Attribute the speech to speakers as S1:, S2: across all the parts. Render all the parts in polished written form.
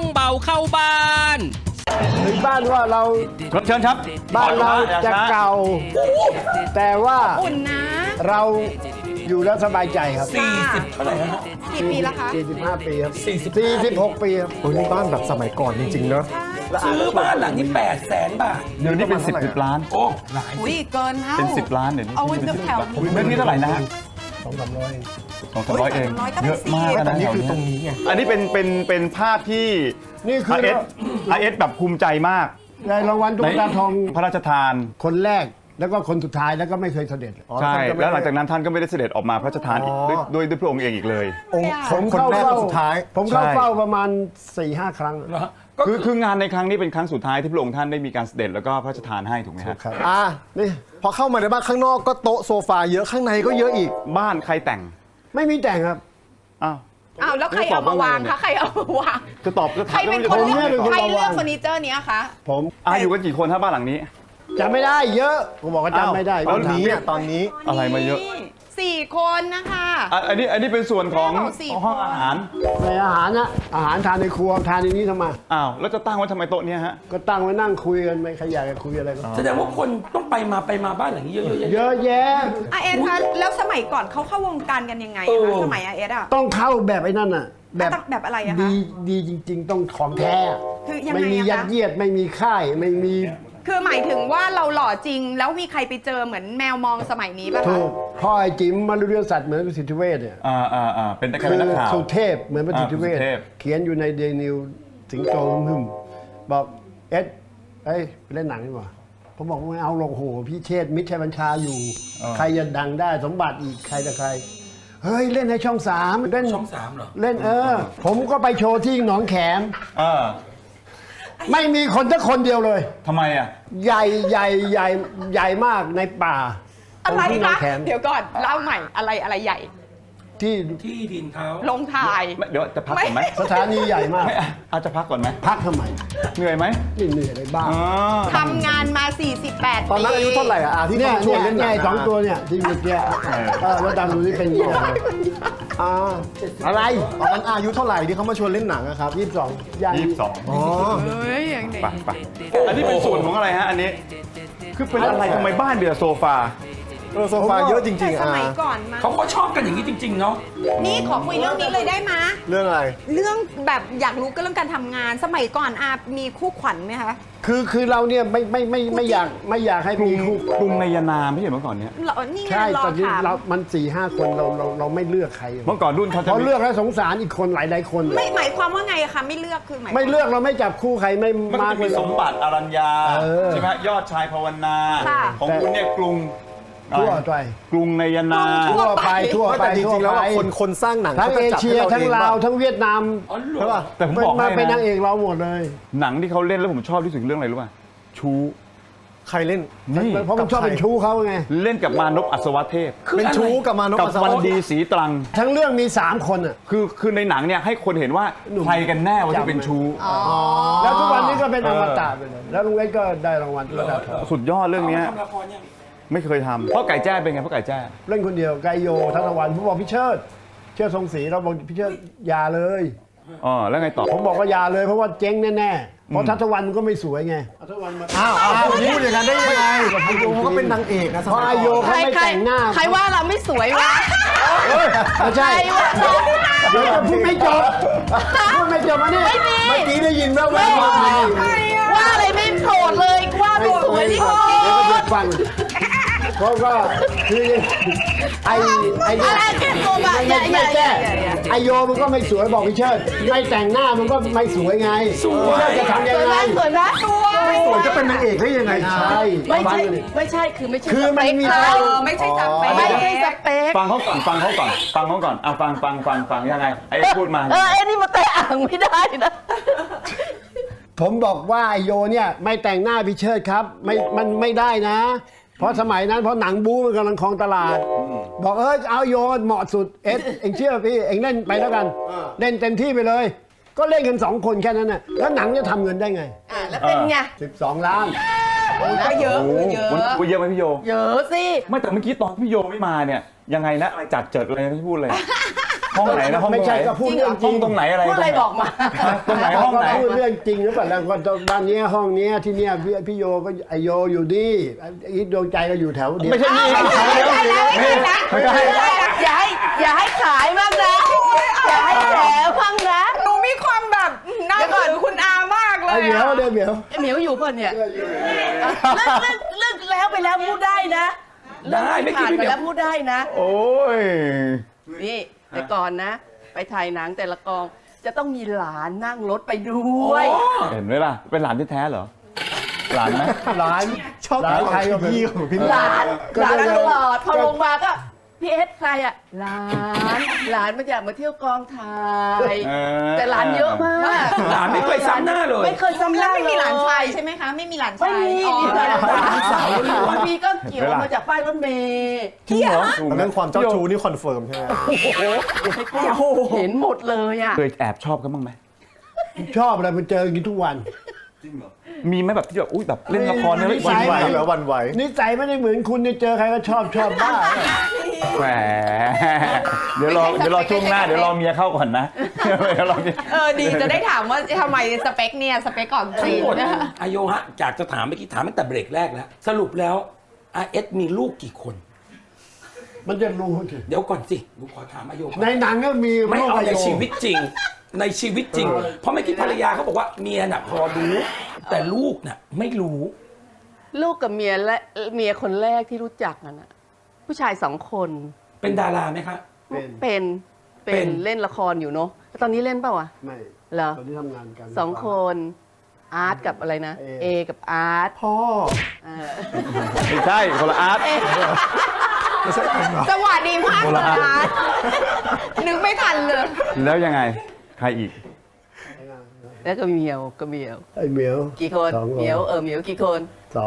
S1: เบาเข้าบ้าน
S2: ถึงบ้านว่าเรา
S3: เชิญครับ
S2: บ้านเราจะเก่า แต่ว่า
S4: อุ่นนะ
S2: เราอยู่แล้วสบายใจครับ
S5: 40 เท่าไหร่ฮะ
S4: กี่ปีแล้วคะ
S2: 45 ปีครับ
S5: 45
S2: 46 ปีครับ
S6: โอ้ยนี่บ้านแบบสมัยก่อนจริงๆเนอะ
S5: ซื้อบ้านหลังนี้800,000 บาท
S3: เดี๋ยวนี้เป็น10 ล้าน
S5: โอ้หลาย
S4: อุ้ยเกินเท่า
S3: เป็น10 ล้านเดี๋ยวนี้
S4: เอาไว้จะแถว
S3: เมื่อกี้เท่าไหร่นะฮะ
S2: 200-300
S3: 200-300เอง
S4: น้อยก็เป็น
S3: เยอะมาก
S4: 10
S3: นะ
S6: นี่
S3: แถว
S6: คือ
S3: นี้
S6: ตรงนี้ไง
S3: อันนี้เป็นภาพที่
S2: นี่คือ
S3: RS แบบภูมิใจมาก
S2: ได้รางวัลตุ๊กตาทอง
S3: พระราชทาน
S2: คนแรกแล้วก็คนสุดท้ายแล้วก็ไม่เคยเสด็จ
S3: ใช่ แล้วหลังจากนั้นท่านก็ไม่ได้เสด็จออกมาพระราชทานอีกด้วยพระองค์เองอีกเลย
S6: องค์
S2: ผม
S6: คน
S2: เข้า
S6: แรกค
S2: เฝ้าน
S6: สุดท้าย
S2: ผมเข้า
S3: ใช่
S2: เฝ้าประมาณ 4-5 ครั้ง
S5: เหรอฮะก็
S3: คืองานในครั้งนี้เป็นครั้งสุดท้ายที่พระองค์ท่านได้มีการเสด็จแล้วก็พระราชทานให้ถูกไหมครับ
S2: ครับ
S6: นี่พอเข้ามาในบ้านข้างนอกก็โต๊ะโซฟาเยอะข้างในก็เยอะอีก
S3: บ้านใครแต่ง
S2: ไม่มีแต่งครับ
S3: อ้าว
S4: อ้าวแล้วใครเอามาวางคะใครเอามาวาง
S3: จะตอบจะ
S4: ใคร
S3: ถาม
S4: เป็น
S3: จะ
S4: คน
S3: ตอบ
S4: เลือก
S3: ไม่ตอบ
S4: ใครเลือกเฟอร์นิเจอร์เนี้ยคะ
S2: ผม
S3: อยู่กันกี่คนถ้าบ้านหลังนี้
S2: จำไม่ได้เยอะผมบอกว่าจำไม่ได้
S6: ตอนนี้ตอนนี้
S3: อะไรมาเยอะ
S4: 4 คนนะคะ
S3: อันนี้เป็นส่วนของ
S4: แม่บอกสี่
S3: ห้องอาหาร
S2: ในอาหารนะอาหารทานในครัวทานในนี้ทำไม
S3: อ้าวแล้วจะตั้งไว้ทำไมโต๊ะเนี้ยฮะ
S2: ก็ตั้งไว้นั่งคุยกันไม่ใครอยากจะคุยอะไรก็
S5: แสดงว่าคนต้องไปมาบ้านหลังนี้เยอะๆ
S2: เยอะแยะ
S4: อาเอสคะแล้วสมัยก่อนเขาเข้าวงการกันยังไง
S5: เอ
S4: อะ
S5: อ
S4: คะสมัยอาเอสอะ
S2: ต้องเข้าแบบไอ้นั่นน่ะ
S4: แบบอะไรอะคะ
S2: ดีจริง ๆ ต้องของแท้
S4: คือยังไง
S2: ไม่มี
S4: อะคะ
S2: ยัดเยียดไม่มีค่ายไม่มี
S4: คือหมายถึงว่าเราหล่อจริง แล้วมีใครไปเจอเหมือนแมวมองสมัยนี้ป่ะ
S2: ถู
S4: คะ
S2: กพ่อไอ้จิ๋มมารุเรียนสัตว์เหมือนประสิทธิเวชเนี่ย
S3: เป็นนัก
S2: คือ
S3: นักข่าว
S2: สุเทพเหมือนประสิทธิเวช
S3: สุเทพ
S2: เขียนอยู่ในเดนิวสิงโตหึมบอกเอ็ดเอ้ยไปเล่นหนังดีกว่าผมบอกไม่เอาหรอกโหพี่เชษฐ์มิตรชัยบัญชาอยู่ ใครจะดังได้สมบัติอีกใครแต่ใคร เฮ้ย เล่นในช่อง 3 เล่น
S5: ช่อง 3เหรอ
S2: เล่นผมก็ไปโชว์ที่หนองแขม
S3: เออ
S2: ไม่มีคนสักคนเดียวเลย
S3: ทำไมอ่ะ
S2: ใหญ่ใหญ่มากในป่า
S4: อะไร
S2: ตงที่หนอ
S4: คะ
S2: งแขม
S4: เดี๋ยวก่อนเล่าใหม่อะไรใหญ่
S2: ที่
S5: ที่ดินเขา
S4: ลงถ่าย
S3: เดี๋ยวจะพักก่อนไหม
S2: สถานีใหญ่มาก
S3: ไม่อาจจะพักก่อนไหม
S2: พักทำไม
S3: เหนื่อยไหม
S2: ไม่เหนื่อยเลยบ้า
S3: อ๋อ
S4: ทำงานมา 48
S6: ตอนนั้นอายุเท่าไหร่อะที่
S2: เนี่ย
S6: เขาชวนเล่นหนัง
S2: สองตัวเนี่ยที่เมื่อกี้แล้วดังดูที่เป็นยังไง อะไร
S6: ตอนนั้นอายุเท่าไหร่ที่เขามาชวนเล่นหนังอะครับ
S2: 22ย่าง
S3: 22
S6: อ๋อ
S4: เฮ้ยอย่างเด็ก
S3: ไปอันนี้เป็นส่วนของอะไรฮะอันนี้ คือเป็นอะไรทำไมบ้านเดือโซฟา
S6: โซฟาเยอะจริ
S4: แต่
S6: งๆ
S4: ส
S6: อ่ะ
S4: มัยก่อนมา
S5: เขาก็ชอบกันอย่างนี้จริง ๆ เนาะ
S4: นี่ขอคุยเรื่องนี้เลยได้ไหมะ
S6: เรื่องอะไร
S4: เรื่องแบบอยากรู้ก็เรื่องการทำงาน สมัยก่อนอามีคู่ขวัญไหมคะ
S2: คือเราเนี่ยไม่อยากให้มีคู่
S3: กรุงในยานามไม่ใช่เมื่อก่อนเนี้ย
S4: เหรอนี่ไง
S2: ใช่
S4: รอ
S2: ตอนนี้
S4: ถาม
S2: มัน 4-5 คนเราไม่เลือกใคร
S3: เมื่อก่อนรุ่นเขาจะ
S2: พอเลือกแล้วสงสารอีกคนหลายคน
S4: ไม่หมายความว่าไงอะคะไม่เลือกคือหมาย
S2: ไม่เลือกเราไม่จับคู่ใครไม่
S3: มัน
S2: มา
S3: จะ
S2: ก
S3: มี
S2: เลย
S3: สมบัติอรัญญา
S2: อ
S3: ใช่ไหมยอดชายภาวนา
S4: ค่ะ
S3: ของคุณเนี่ยกรุง
S2: ทั่วไป
S3: กรุงในยานา
S2: ทั่วไปทั่วไป
S6: แต่จ
S2: ทั่ว
S6: ริงๆแล้ว
S2: ไป
S6: อะคนสร้างหนัง
S2: ทั้ง
S6: ขา
S2: เอ
S6: จะจับ
S2: เชีย
S6: ให้
S2: ทั้ง
S6: เอ
S2: ลาว
S6: ป่ะ
S2: ทั้งเวียดนาม
S5: อ๋อเหร
S6: ใช่
S5: อ
S6: ป่ะ
S3: แต่ผมบอก
S2: มา
S3: ให้
S2: เป็นนาง
S3: นะ
S2: เอกเราหมดเลย
S3: หนังที่เขาเล่นแล้วผมชอบที่สุดเรื่องอะไรรู้ป่ะชู
S6: ใครเล่น
S3: นี่
S2: เพราะผมชอบเป็นชู้เขาไง
S3: เล่นกับมานพอัศวเทพ
S6: เป็นชู้กับมานพ
S3: กับ
S6: อัศ
S3: วัน
S6: วะ
S3: ดีสีตรัง
S2: ทั้งเรื่องมี 3 คนอ่ะ
S3: คือในหนังเนี่ยให้คนเห็นว่าใครกันแน่ว่าที่เป็นชู้
S2: แล้วทุกวันนี้ก็เป็นอมตะไปเลยแล้วลุงเอ็กก็ได้รางวัลระดับ
S3: สุดยอดเรื่องเนี้ย
S5: ทำละครยัง
S3: ไม่เคยทำพ่อไก่แจ้เป็นไงพ่อไก่แจ้
S2: เล่นคนเดียวไกโยทัศวรรณผมบอกพี่เชิดทรงศรีเราบอกพี่เชิดอย่าเลย
S3: อ๋อแล้วไงต่อ
S2: ผมบอกว่าอย่าเลยเพราะว่าเจ๊งแน่ๆเพราะทัศวรรณมันก็ไม่สวยไงทัศวรรณมา
S6: อ้าวพูดอย่างนั้นได้ยังไงไอโยเขาก็เป็นนางเอกนะส
S2: เพราะ
S6: มัย
S2: ไอโย
S6: ก่อน
S2: เขาไม่แต่งหน้า
S4: ใครว่าเราไม่สวยวะ
S2: ไม่ใช่เดี๋ยวจะพูดไม่จบพูดไม่จบมานี่
S4: ไม่มี
S2: เมื่อกี้ได้ยินแว่วๆมานี่
S4: ว่าอะไรไม่โกรธเลยว่าตัวสวยที่โกร
S2: เดี๋ยวก็
S4: ธ
S2: จะฟังเพราะก็คือไอเนี่ย
S4: อะไรแค่ตัวแบบ
S2: ไม่แก้ไอโยมันก็ไม่สวยบอกพี่เชิดไม่แต่งหน้ามันก็ไม่สวยไงพี่เชิดจะทำยังไง
S4: สวยนะตัว
S6: สวยจะเป็นนางเอกได้ยังไง
S2: ใช่
S4: ไม่ใช่
S2: ฟังเลย
S4: ไม่ใช่คือไม่ใช่
S2: คือมันมี
S4: สเปคไม่ใช่สเปคไม่ใช่สเปค
S3: ฟังเขาก่อนฟังเขาก่อนฟังเขาก่อนเอาฟังยังไงไอ้พูดมา
S4: ไอ้นี่มาแตะอ่างไม่ได้นะ
S2: ผมบอกว่าไอโยเนี่ยไม่แต่งหน้าพี่เชิดครับมันไม่ได้นะ เพราะสมัยนั้นเพราะหนังบู๊มันกำลังครองตลาด บอกเอาโยเหมาะสุดเองเชื่อพี่เองเล่นไปแล้วกัน เล่นเต็มที่ไปเลย ก็เล่นกัน2 คนแค่นั้นน่ะแล้วหนังจะทำเงินได้ไง
S4: แล้วเป็นไง
S2: 12 ล้าน
S4: ก็เยอะเยอะ
S3: วันเยอะไหมพี่โย
S4: เยอะสิ
S3: ไม่แต่เมื่อกี้ตอนพี่โยไม่มาเนี่ยยังไงนะอะไรจัดเจิดอะไรไม่พูดเลย
S2: ผ
S3: ห้องไหนนะห้อง
S2: ไม่ใช่ก็พูดเรื่องจ
S3: ห้
S2: ริ
S3: อง
S2: ง
S3: ตรงไหนอะไร
S1: พูดอะไรบอกมา
S3: ตรงไหนห้องไหน
S2: พูดเรื่องจริงหรือเปล่าแล้วก็บ้านเนี้ยห้องเนี้ยที่เนี้ยพี่โยก็ไอโยอยู่ดีอีทดวงใจก็อยู่แถวเดียว
S3: ไม่ใช่นี่ไม่ใช่
S1: อย่าให้ขายมากนะอย่าให้แถวพังนะ
S4: หนูมีความแบบน่าถือคุณอามากเล
S2: ไอย เหมียว
S4: อะ
S2: เดี๋ยวเหมียว
S1: ไอ้เหมียวอยู่เพื่อนเนี่ยเลิกแล้วไปแล้วพูดได้นะ
S5: ได้ไม่คิด
S1: ผ่าน
S5: ไม่
S1: ไป
S5: เดี๋ย
S1: แล้ว วพูดได้นะ
S3: โอ้ย
S1: นี่แต่ก่อนนะ ไปถ่ายหนังแต่ละกองจะต้องมีหลานนั่งรถไปด้วย
S3: เห็นไหมล่ะเป็นหลานที่แท้เหรอหลานไหม
S2: ร้าน
S6: ชอบ
S2: ร้านใครก็
S6: พี่ของพี่
S1: หลาน
S2: ก็
S1: หลาน
S2: ได้
S1: ตลอดพอลงมาก็พี่เอสใครอ่ะหลานมันอยากมาเที่ยวกองถ่ายแต่หลานเยอะมาก
S5: หลานไม่เคยซ้ำหน้าเลย
S1: ไม่เคยซ้ำห
S4: แล้
S1: น้าว
S4: ไม่มีหลานชาย
S1: เลย
S4: ใช่ไหมคะ ไม่มีหลาน
S1: ไม่
S4: ชาย
S1: มี
S4: อ๋อ
S1: มีแต่หลาน
S5: หลานสาวล้วน
S1: บางทีก็เกี่ยวมาจากป้ายรถเมล์
S3: จริงเหรอ
S6: เรื่องความเจ้าชู้นี่คอนเฟิร์มใช่ไหม
S1: เห็นหมดเลยอ่ะ
S3: เคยแอบชอบกันบ้างไหม
S2: ชอบอะไรมันเจอกันทุกวัน
S3: มีไหมแบบที่แบบอุ้ยแบบเล่นละครเนี่ย
S2: ไม่
S6: วัน
S2: ใช่
S6: ไหวแล้ววันไหว
S2: นิสัยไม่ได้เหมือนคุณเนี่ยเจอใครก็ชอบบ้า
S3: แหมเดี๋ยวรอช่วงหน้าเดี๋ยวรอเมียเข้าก่อนนะเดี๋ยวรอเมีย
S4: ดีจะได้ถามว่าทำไมสเปคเนี่ยสเปคก่อน
S5: ทั้
S4: จี
S5: ง
S4: น
S5: หมด
S4: นะคะ
S5: อายฮะอยากจะถามเมื่อกี้ถามตั้งแต่เบรกแรกแล้ว สรุปแล้วอาเอสมีลูกกี่คน
S2: มันจะรู้สิ
S5: เดี๋ยวก่อนสิดูขอถามอาโยก่อน
S2: ในหนังก็มี
S5: ไม่
S2: ลูก
S5: เอา
S2: อา
S5: ใน
S2: โย
S5: ชีวิตจริง ในชีวิตจริง เพราะเมื่อกี้ภรรยาเขาบอกว่าเมียน่ะพอรู้แต่ลูกน่ะไม่รู้
S1: ลูกกับเมียและเมียคนแรกที่รู้จักนั่นน่ะผู้ชาย2 คน
S5: เป็นดาราไหมคะ
S2: เป็น
S1: เป็นเล่นละครอยู่เนาะแล้วตอนนี้เล่นเปล่าวะ
S2: ไม่
S1: เหรอ
S2: ตอนที่ทำงานกัน
S1: 2 คนอาร์ตกับอะไรนะ
S2: เอ
S1: กับอาร์ต
S6: พ่อ
S1: เออ
S3: ไม่ใช่คนละอาร์ต
S6: ไม่ใช่ผมเหรอ
S4: จังหวะดีมากเลยนะนึกไม่ทันเลย
S3: แล้วยังไงใครอีก
S1: แล้วก็เมียวก็เมียว
S2: ไอ้เหมียว
S1: กี่คน
S2: 2
S1: เมียวเมียวกี่คน
S2: สอง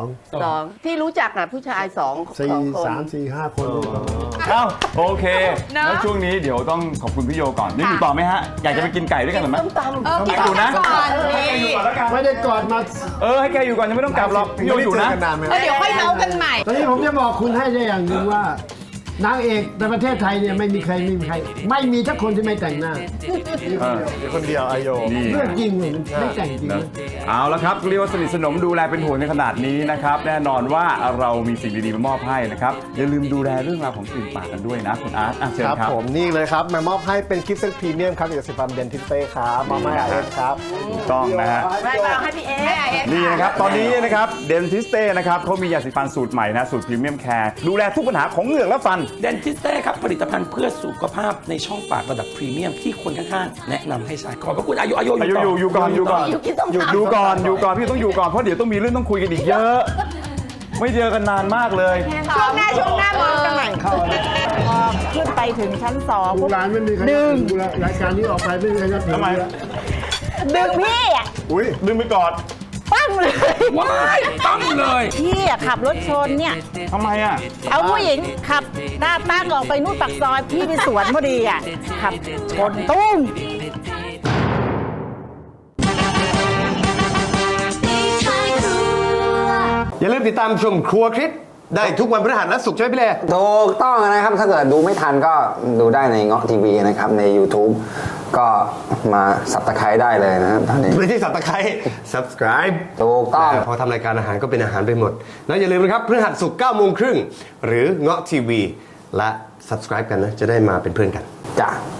S1: 2ที่รู้จักน่ะผู้ชาย2
S2: สี่
S1: คน
S2: สามสี่ห้าคน
S3: เอ้าโอเค
S4: เนอะ
S3: แล้วช่วงนี้เดี๋ยวต้องขอบคุณพี่โยก่อนยังอยู่ต่อไหมฮะ อยากจะไปกินไก่ด้วยกันหรือไหม
S1: ต้มตำ
S4: กิน
S3: อยู่นะ
S4: ก่อนนี่
S2: ไม่ได้กอดมา
S3: ให้แกอยู่ก่อนยังไม่ต้องกลับหรอกพี่โยอยู่นะ
S6: ไม่ได้เจอกันนานไหม
S4: เดี๋ยวค่อยเมาส์กันใหม่
S2: ตอนนี้ผมจะบอกคุณให้ได้อย่างหนึ่งว่านางเอกในประเทศไทยเนี่ยไม่มีสักคนที่ไม่แต่งหน้า
S6: เดี๋ยวคนเดียวอายโย
S3: นี่
S2: เรื่องจริงเลยไม่แต่งจริง
S3: นะ
S2: นะ
S3: เอาละครับเรียกว่าสนิทสนมดูแลเป็นห่วงในขนาดนี้นะครับแน่นอนว่าเรามีสิ่งดีๆมามอบให้นะครับอย่าลืมดูแลเรื่องราวของกลิ่นปากกันด้วยนะคุณอาร์ตเชิญ
S6: ครับ
S3: ครับ
S6: ผมนี่เลยครับมามอบให้เป็นกิฟต์เซตพรีเมียมครับจากสิฟัมเดนทิสเต้ครับมอบให้อาเอสครับ
S3: ถูกต้องนะฮะ
S1: ไม่มาให้พี่เอส
S3: นี่นะครับตอนนี้นะครับเดนทิสเต้นะครับเขามียาสีฟันสูตรใหม่นะสูตรพรีเมียมแคร์ดูแลทุกปัญหาของเหงือกและฟัน
S5: เดนทิสเต้ครับผลิตภัณฑ์เพื่อสุขภาพในช่องปากระดับพรีเมียมที่คนข้างๆแนะนำให้ใช้ขอบพระคุณอายุ
S3: อายุอยู่ก่อนอยู่ก่อน
S1: อยู่กินต้มตำ
S3: อยู่ก่อนพี่ต้องอยู่ก่อนเพราะเดี๋ยวต้องมีเรื่องต้องคุยกันอีกเยอะ ไม่เจอกันนานมากเลย
S4: ช่วงหน้าเมาส์กันใหม่
S2: เข้าแล้ว
S7: พอขึ้นไปถึงชั้นสอง
S2: ลูกหลานไม่มีใครดึงรายการนี้ออกไปไม่มีใครจะถึง
S3: ทำไม
S2: แล้ว
S7: ดึงพี่อะ
S6: อุ้ย
S3: ลืมไปกอด
S7: ปั้งเลย
S5: ว้ายตั้งเลย
S7: พี่อะขับรถชนเนี่ย
S3: ทำไมอ่ะ
S7: เอาผู้หญิงขับหน้าตั้งออกไปนู่นปากซอย พี่ไปสวนพอดีอ่ะขับชนตุ้ม
S6: อย่าลืมติดตามชมครัวคลิปได้ทุกวันพฤหัสและศุกร์ใช่ไหมพี่เล่
S8: ถูกต้องนะครับ ถ้าเกิดดูไม่ทันก็ดูได้ในเงาะทีวีนะครับ ใน YouTube ก็มาสับตะไคร้ได้เลยนะครับตอนนี้
S6: ไม่ใช่สับตะไคร้ subscribe
S8: ถูกต้อง
S6: พอทำรายการอาหารก็เป็นอาหารไปหมด แล้วอย่าลืมนะครับพฤหัสศุกร์9 โมงครึ่งหรือเงาะทีวีและ subscribe กันนะ จะได้มาเป็นเพื่อนกัน
S8: จ้ะ